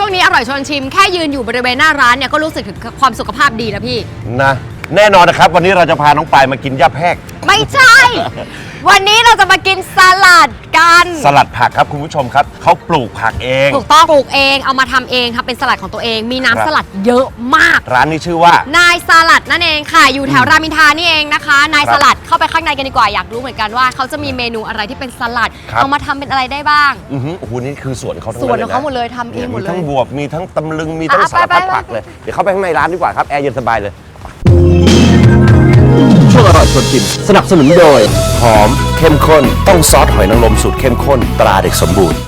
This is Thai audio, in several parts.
ช่วงนี้อร่อยชวนชิมแค่ยืนอยู่บริเวณหน้าร้านเนี่ยก็รู้สึกถึงความสุขภาพดีแล้วพี่นะแน่นอนนะครับวันนี้เราจะพาน้องปายมากินย่าแพรกไม่ใช่ วันนี้เราจะมากินสลัดกันสลัดผักครับคุณผู้ชมครับเขาปลูกผักเองถูกต้องปลูกเองเอามาทำเองทำเป็นสลัดของตัวเองมีน้ำสลัดเยอะมากร้านนี้ชื่อว่านายสลัดนั่นเองค่ะอยู่แถวรามอินทรานี่เองนะคะนายสลัดเข้าไปข้างในกันดีกว่าอยากรู้เหมือนกันว่าเขาจะมีเมนูอะไรที่เป็นสลัดเอามาทำเป็นอะไรได้บ้างโอ้โหนี่คือสวนเขาทั้งสวนของเขาหมดเลยทำเองหมดเลยมีทั้งบวบมีทั้งตำลึงมีทั้งสารพัดผักเลยเดี๋ยวเข้าไปข้างในร้านดีกว่าครับแอร์เย็นสบายเลยช่วงอร่อยชวนชิมสนับสนุนโดยหอมเข้มข้นต้องซอสหอยนางรมสูตรเข้มข้นตราเด็กสมบูรณ์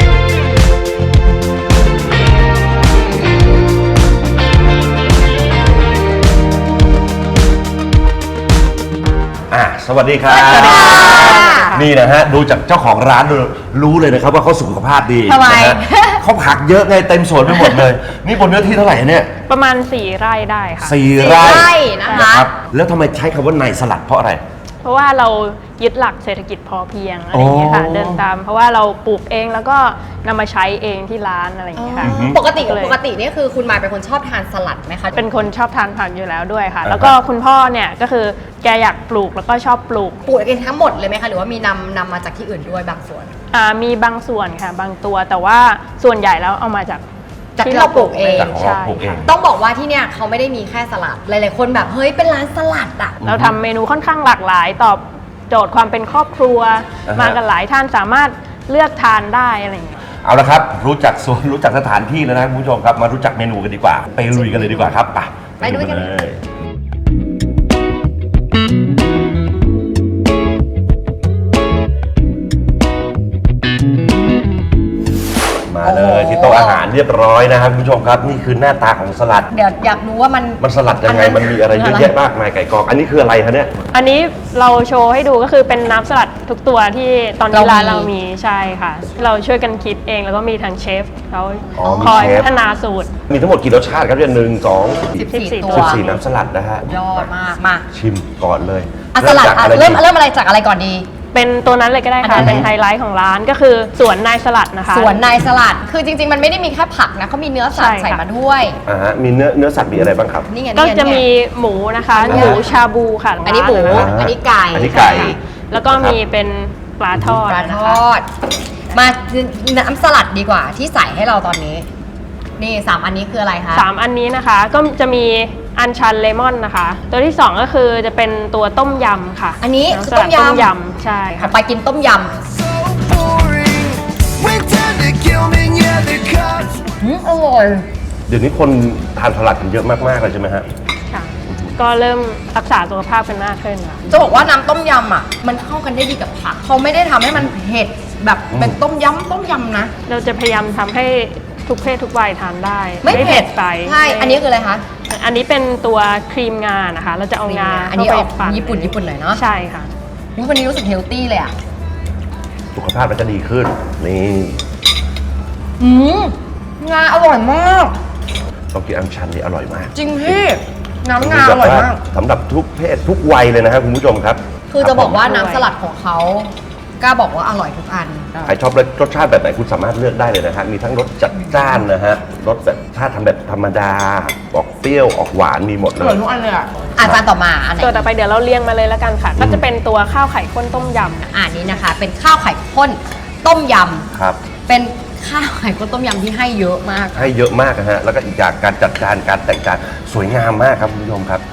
สวัสดีครับสวัสดีค่ะนี่นะฮะดูจากเจ้าของร้านรู้เลยนะครับว่าเขาสุขภาพดีทำไมเขาผักเยอะไงเต็มสวนไปหมดเลยนี่บนเนื้อที่เท่าไหร่เนี่ยประมาณ4 ไร่ได้ค่ะ 4 ไร่นะคะแล้วทำไมใช้คำว่านายสลัดเพราะอะไรเพราะว่าเรายึดหลักเศรษฐกิจพอเพียงอะไรอย่างเงี้ยค่ะเดินตามเพราะว่าเราปลูกเองแล้วก็นำมาใช้เองที่ร้านอะไรอย่างเงี้ยค่ะปกตินี่คือคุณมายเป็นคนชอบทานสลัดไหมคะเป็นคนชอบทานผักอยู่แล้วด้วยค่ะแล้วก็คุณพ่อเนี่ยก็คือแกอยากปลูกแล้วก็ชอบปลูกเองทั้งหมดเลยไหมคะหรือว่ามีนำมาจากที่อื่นด้วยบางส่วนมีบางส่วนค่ะบางตัวแต่ว่าส่วนใหญ่แล้วเอามาจากที่เราปลูกเองใช่ต้องบอกว่าที่เนี่ยเขาไม่ได้มีแค่สลัดหลายๆคนแบบเฮ้ยเป็นร้านสลัดอ่ะเราทำเมนูค่อนข้างหลากหลายตอบโจทย์ความเป็นครอบครัวมากันหลายท่านสามารถเลือกทานได้อะไรอย่างเงี้ยเอาละครับรู้จักสวนรู้จักสถานที่แล้วนะคุณผู้ชมครับมารู้จักเมนูกันดีกว่าไปลุยกันเลยดีกว่าครับไปดูกันเลยมาเลยที่โต๊ะอาหารเรียบร้อยนะครับคุณผู้ชมครับนี่คือหน้าตาของสลัดเดี๋ยวอยากรู้ว่ามันสลัดยังไงมันมีอะไรเยอะแยะมากมายไก่กองอันนี้คืออะไรคะเนี่ยอันนี้เราโชว์ให้ดูก็คือเป็นน้ำสลัดทุกตัวที่ตอนนี้ร้านเรามีใช่ค่ะเราช่วยกันคิดเองแล้วก็มีทางเชฟเขาคอยพัฒนาสูตรมีทั้งหมดกี่รสชาติครับเนี่ย 14 ตัว 14น้ำสลัดนะฮะยอดมากมาชิมก่อนเลยสลัดเริ่มอะไรจากอะไรก่อนดีเป็นตัวนั้นเลยก็ได้ค่ะเป็นไฮไลท์ของร้านก็คือสวนนายสลัดนะคะสวนนายสลัดคือจริงๆมันไม่ได้มีแค่ผักนะเขามีเนื้อสัตว์ใส่มาด้วยมีเนื้อสัตว์มีอะไรบ้างครับนี่ไงก็จะมีหมูนะคะหมูชาบูค่ะอันนี้หมูอันนี้ไก่แล้วก็มีเป็นปลาทอดมาน้ำสลัดดีกว่าที่ใส่ให้เราตอนนี้นี่3อันนี้คืออะไรคะ 3อันนี้นะคะก็จะมีอัญชันเลมอนนะคะตัวที่2ก็คือจะเป็นตัวต้มยำค่ะอันนี้คือต้มยำใช่ค่ะไปกินต้มยำอร่อยเดี๋ยวนี้คนทานสลัดกันเยอะมากๆเลยใช่ไหมฮะค่ะก็เริ่มรักษาสุขภาพกันมากขึ้นค่ะจะบอกว่าน้ำต้มยำอ่ะมันเข้ากันได้ดีกับผักเขาไม่ได้ทำให้มันเผ็ดแบบเป็นต้มยำนะเราจะพยายามทำให้ทุกเพศทุกวัยทานได้ไม่เผ็ดไปใช่อันนี้คืออะไรคะอันนี้เป็นตัวครีมงานะคะเราจะเอางาอันนี้ออกญี่ปุ่นหน่อยเนาะใช่ค่ะวันนี้รู้สึกเฮลตี้เลยอ่ะสุขภาพมันจะดีขึ้นนี่งาอร่อยมากต้องกินอัญชันนี่อร่อยมากจริงพี่น้ำงาอร่อยมากสำหรับทุกเพศทุกวัยเลยนะครับคุณผู้ชมครับคือจะบอกว่าน้ำสลัดของเขากล้าบอกว่าอร่อยทุกอันใครชอบรสชาติแบบไหนคุณสามารถเลือกได้เลยนะฮะมีทั้งรสจัดจ้านนะฮะรสแบบถ้าทำแบบธรรมดาออกเปรี้ยวออกหวานมีหมดเลยทุกอันเลยอ่ะอาจารย์ต่อมาอันไหนตัวต่อไปเดี๋ยวเราเรียงมาเลยแล้วกันค่ะก็จะเป็นตัวข้าวไข่ข้นต้มยำนี้นะคะเป็นข้าวไข่ข้นต้มยำครับเป็นข้าวไข่ข้นต้มยำที่ให้เยอะมากให้เยอะมากนะฮะแล้วก็อีกอย่างการจัดจานการแต่งจานสวยงามมากครับคุณผู้ชมครับ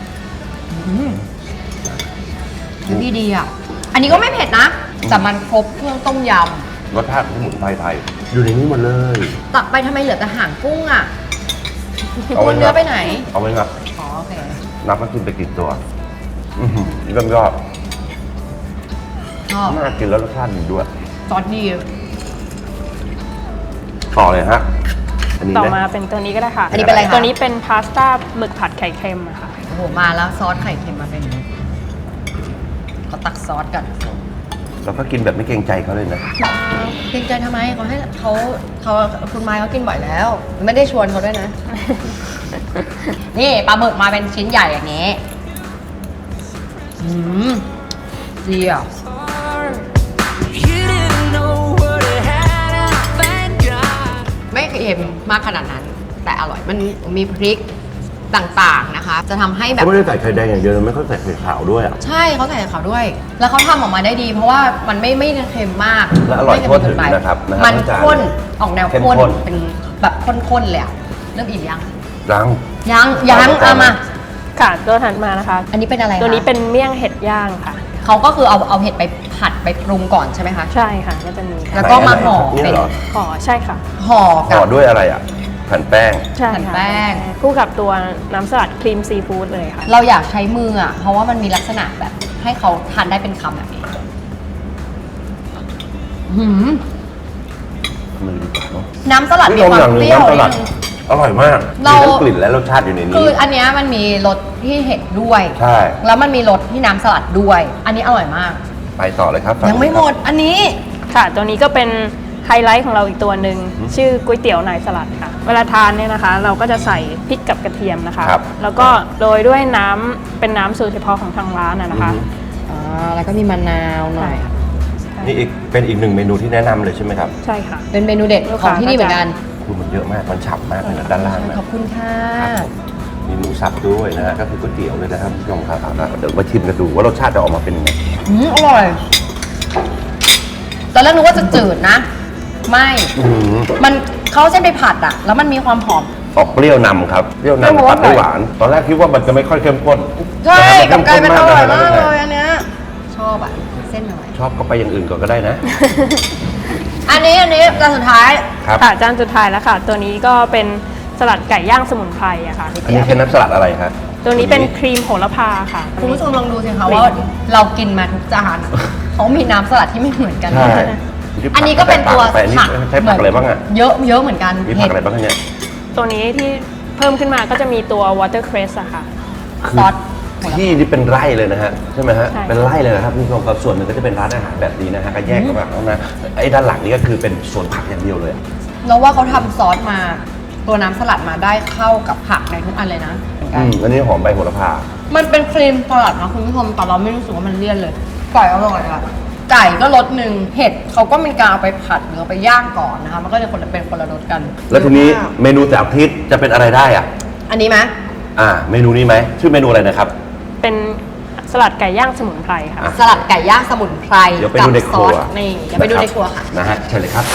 ดีอ่ะอันนี้ก็ไม่เผ็ดนะแต่มันครบเครื่องต้มยำรสชาติสมุนไพรไทยอยู่ในนี้หมดเลยตักไปทำไมเหลือแต่หางกุ้งอ่ะเอาเนื้อไปไหนเอาไว้ครับโอเคนับมากินไปกี่ตัวเริ่มยอดน่ากินแล้วรสชาติดีด้วยซอสดีต่อเลยฮะต่อมาเป็นตัวนี้ก็ได้ค่ะอันนี้เป็นอะไรคะตัวนี้เป็นพาสต้าหมึกผัดไข่เค็มอะค่ะโอ้โหมาแล้วซอสไข่เค็มมาเป็นก็ตักซอสกันเราก็กินแบบไม่เกรงใจเขาเลยนะเกรงใจทำไมเขาให้เขาคุณไม้เขากินบ่อยแล้วไม่ได้ชวนเขาด้วยนะ นี่ปลาหมึกมาเป็นชิ้นใหญ่อย่างนี้ดีอ่ะไม่อีค็มมากขนาดนั้น แต่อร่อยมันมีพริกต่างๆนะคะ จะทำให้แบบเขาไม่ได้ใส่ไข่แดงอย่างเดียวนะไม่เขาใส่ไข่ขาวด้วยอ่ะใช่เขาใส่เขาด้วย แล้วเขาทำออกมาได้ดี เพราะว่ามันไม่เค็มมากและอร่อยไม่เค็มทั่วถึงเกิไปนะครับมันทั้งจานข้นออกแนวเข้มข้นข้นเป็นแบบข้นๆเลยอะเริ่มอิ่มยังรังยังต่อมาเอามาค่ะตัวถัดมานะคะอันนี้เป็นอะไรคะตัวนี้เป็นเมี่ยงเห็ดย่างค่ะเขาก็คือเอาเห็ดไปผัดไปปรุงก่อนใช่ไหมคะใช่ค่ะก็จะมีแล้วก็มาห่อเนี่ยเป็นเหรอห่อใช่ค่ะห่อห่กัอบ ด้วยอะไรอ่ะแผ่นแป้งใช่แผ่นค่ะแป้งคู่กับตัวน้ำสลัดครีมซีฟู้ดเลยค่ะเราอยากใช้มืออ่ะ เพราะว่ามันมีลักษณะแบบให้เขาทานได้เป็นคำแบบนี้หืมมือดีกว่าเนอะน้ำสลัดมีพี่ความอย่างหเปนึ่งรี้ยวน้ำสนิลัดดนึงอร่อยมากเรามีทั้งกลิ่นและรสชาติอยู่ในคืนี้ออันเนี้ยมันมีรสที่เห็ดด้วยใช่แล้วมันมีรสที่น้ำสลัดด้วย อันนี้อร่อยมากไปต่อเลยครับยังไม่หมด อันนี้ค่ะ ตัวนี้ก็เป็นไฮไลท์ของเราอีกตัวหนึ่งชื่อก๋วยเตี๋ยวนายสลัดค่ะ เวลาทานเนี่ยนะคะ เราก็จะใส่พริกกับกระเทียมนะคะครับแล้วก็โรยด้วยน้ำเป็นน้ำสูตรเฉพาะของทางร้านนะคะแล้วก็มีมะนาวหน่อยนี่เป็นอีกหนึ่งเมนูที่แนะนำเลยใช่ไหมครับใช่ค่ะเป็นเมนูเด็ดของที่นี่เหมือนกันคือมันเยอะมากมันฉ่ำมากเลยนะด้านล่างนะขอบคุณค่ะมีหมูสับด้วยนะฮะก็คือก๋วยเตี๋ยวเลยนะครับคุณผู้ชมครับเดี๋ยวมาชิมกันดูว่ารสชาติจะออกมาเป็นยังไงอร่อย ตอนแรกนึกว่าจะจืดนะ ไม่ มันเขาเอาเส้นไปผัดอะแล้วมันมีความหอมออกเปรี้ยวนำครับเปรี้ยวนำเปรี้ยวตัดด้วยหหวานวาน ตอนแรกคิดว่ามันจะไม่ค่อยเข้มข้นใช่กับกลายเป็นอร่อยมากนะเลฮะยอันเนี้ยชอบอะเส้นหน่อยชอบก็ไปอย่างอื่นก่อนก็ได้นะอันนี้จานสุดท้ายครับค่ะจานสุดท้ายแล้วค่ะ ตัวนี้ก็เป็นสลัดไก่ย่างสมุนไพรอะค่ะอันนี้เป็นน้ำสลัดอะไรครับตัวนี้เป็นครีมโหระพาค่ะคุณผู้ชมลองดูสิคะว่าเรากินมาทุกจานอะเขามีน้ำสลัดที่ไม่เหมือนกันใช่อันนี้ก็เป็นตัวไปอันนี้ผักใช้ผักอะไรบ้างอ่ะเยอะเหมือนกันมีผักอะไรบ้างคะเนี่ยตัวนี้ที่เพิ่มขึ้นมาก็จะมีตัว watercress อะค่ะซอสที่นี่เป็นไร่เลยนะฮะใช่ไหมฮะใช่เป็นไร่เลยนะครับคุณผู้ชมครับส่วนหนึ่งก็จะเป็นร้านอาหารแบบนี้นะฮะก็แยกกันมาข้างหน้าไอ้ด้านหลังนี่ก็คือเป็นสวนผักอย่างเดียวเลยเราว่าเขาทำซอสมา ตัวน้ำสลัดมาได้เข้ากับผักในทุกอันเลยนะเหมือนกันอันนี้หอมใบโหระพามันเป็นครีมสลัดนะคุณผู้ชมแต่เราไม่รู้สึกว่ามันเลี่ยนเลยไก่อร่อยอะไก่ก็รสหนึ่งเห็ดเขาก็มีการเอาไปผัดหรือเอาไปย่างก่อนนะคะมันก็จะเป็นคนละรสกันแล้วทีนี้เมนูจากทิศจะเป็นอะไรได้อ่ะอันนี้ไหมเมนูนี้ไหมชื่อเมนูอะไรนะครับเป็นสลัดไก่ย่างสมุนไพรค่ะอ่ะสลัดไก่ย่างสมุนไพรเดี๋ยวไปกัดูในคซรัอวสนี่เดี๋ยวไปดูในครัวค่ะนะฮะเชิญเลยครับ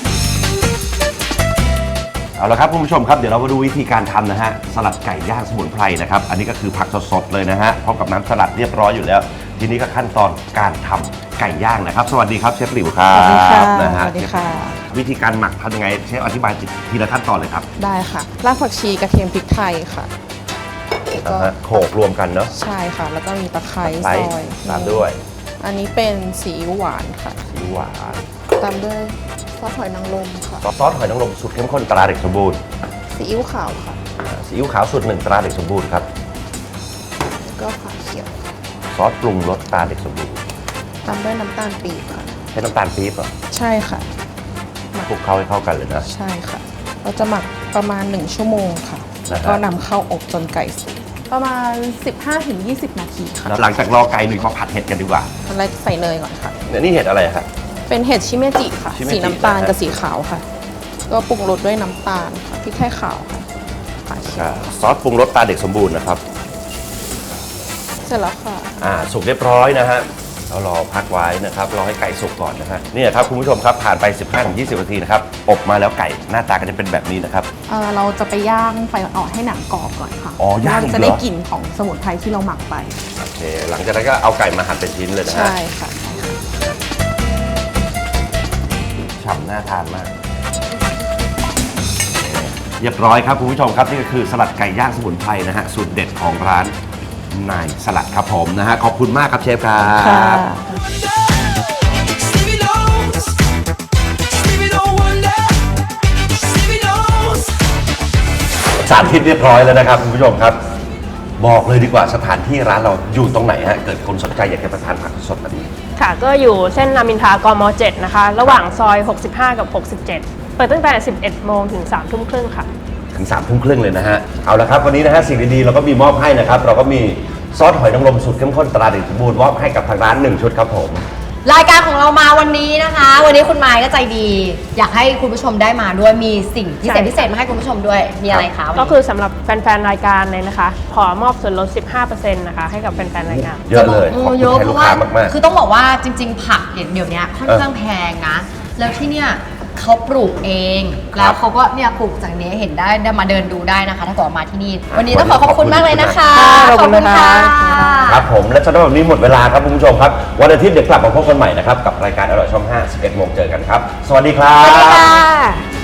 เอาละครับคุณผู้ชมครับเดี๋ยวเรามาดูวิธีการทำนะฮะสลัดไก่ย่างสมุนไพรนะครับอันนี้ก็คือผักสดๆเลยนะฮะพร้อมกับน้ำสลัดเรียบร้อยอยู่แล้ว ทีนี้ก็ขั้นตอนการทำไก่ย่างนะครับ สวัสดีครับเชฟหลิวครับสวัสดีค่ะนะฮะสวัสดีค่ะวิธีการหมักทำยังไงเชฟอธิบายทีละขั้นตอนเลยครับได้ค่ะรากผักชีกระเทียมพริกไทยค่ะแล้วก็นะฮะโขลกรวมกันเนาะใช่ค่ะ แล้วก็มีตะไคร้ไลซท์อยตามด้วยอันนี้เป็นซีอิ๊วหวานค่ะซีอิ๊วหวานตามด้วยซอสหอยนางรมค่ะซอสหอยนางรมสูตรเข้มข้นตราเด็กสมบูรณ์ซีอิ๊วขาวค่ะซีอิ๊วขาวสูตรหนึ่งตราเด็กสมบูรณ์ครับแล้วก็ฝาเขียวซอสปรุงรสตราเด็กสมบูรณ์ตามด้วยน้ำตาลปี๊บค่ะใช้น้ำตาลปี๊บเหรอใช่ค่ะคลุกเข้าให้เข้ากันเลยนะใช่ค่ะ เราจะหมักประมาณ 1 ชั่วโมงค่ะ แล้วก็นำเข้าอบจนไก่สุกประมาณ 15-20 นาทีค่ะแล้วหลังจากรอไก่หนึ่งมาผัดเห็ดกันดีกว่าตอนแรกใส่เนยก่อนค่ะเนี่ยนี่เห็ดอะไรครับเป็นเห็ดชิเมจิค่ะชิเมจิสีน้ำตาลนะฮะกับสีขาวค่ะ ก็ปรุงรสด้วยน้ำตาลค่ะพริกไทยขาวค่ะฝาเขียวซอสปรุงรสตราเด็กสมบูรณ์นะครับเสร็จแล้วค่ะสุกเรียบร้อยนะฮะเรารอพักไว้นะครับรอให้ไก่สุกก่อนนะฮะนี่ครับคุณผู้ชมครับผ่านไป 15-20 นาทีนะครับอบมาแล้วไก่หน้าตาก็จะเป็นแบบนี้นะครับเราจะไปย่างไฟอ่อนๆให้หนังกรอบก่อนค่ะอ๋อย่างอีกเหรอจะได้กลิ่นของสมุนไพรที่เราหมักไปโอเคหลังจากนั้นก็เอาไก่มาหั่นเป็นชิ้นเลยนะฮะใช่ค่ะฉ่ำน่าทานมากเรียบร้อยครับคุณผู้ชมครับนี่ก็คือสลัดไก่ย่างสมุนไพรนะฮะสูตรเด็ดของร้านนายสลัดครับผมนะฮะขอบคุณมากครับเชฟครับค่ะ Stevie knows. Stevie don't wonder. Stevie knows. สารทิศเรียบร้อยแล้วนะครับคุณผู้ชมครับ บอกเลยดีกว่าสถานที่ร้านเราอยู่ตรงไหนฮะเกิดคนสนใจอยากจะไปทานผักสดแบบนี้ค่ะก็อยู่เส้นรามอินทรากม 7 นะคะ ระหว่างซอย 65 กับ 67 เปิดตั้งแต่ 11 โมงถึง 3 ทุ่มครึ่งค่ะถึง3 ทุ่มครึ่งเลยนะฮะเอาละครับวันนี้นะฮะสิ่งดีๆเราก็มีมอบให้นะครับเราก็มีซอสหอยนางรมสูตรเข้มข้นตราเด็กสมบูรณ์มอบให้กับทางร้าน1 ชุดครับผมรายการของเรามาวันนี้นะคะ วันนี้คุณมายก็ใจดี อยากให้คุณผู้ชมได้มาด้วยมีสิ่งพิเศษมาให้คุณผู้ชมด้วยมีอะไรคะวันนี้ก็คือสำหรับแฟนๆรายการเลยนะคะ ขอมอบส่วนลด 15% นะคะให้กับแฟนๆรายการเยอะเลยขอบคุณเยอะให้เพลูกราะว่าค้ามากๆคือต้องบอกว่าจริง ๆ ผักเดี๋ยวนี้ค่อนข้างแพงนะ แล้วที่เนี่ยเขาปลูกเอง แล้วเขาก็เนี่ยปลูกจากนี้เห็นได้มาเดินดูได้นะคะ ถ้าเกิดมาที่นี่ วันนี้ต้องขอบคุณมากเลยนะคะขอบคุณค่ะครับผมและสำหรับวันนี้หมดเวลาครับคุณผู้ชมครับวันอาทิตย์เดี๋ยวกลับมาพบกันใหม่นะครับกับรายการอร่อยช่อง 5 11 โมงเจอกันครับ สวัสดีครับสวัสดีค่ะ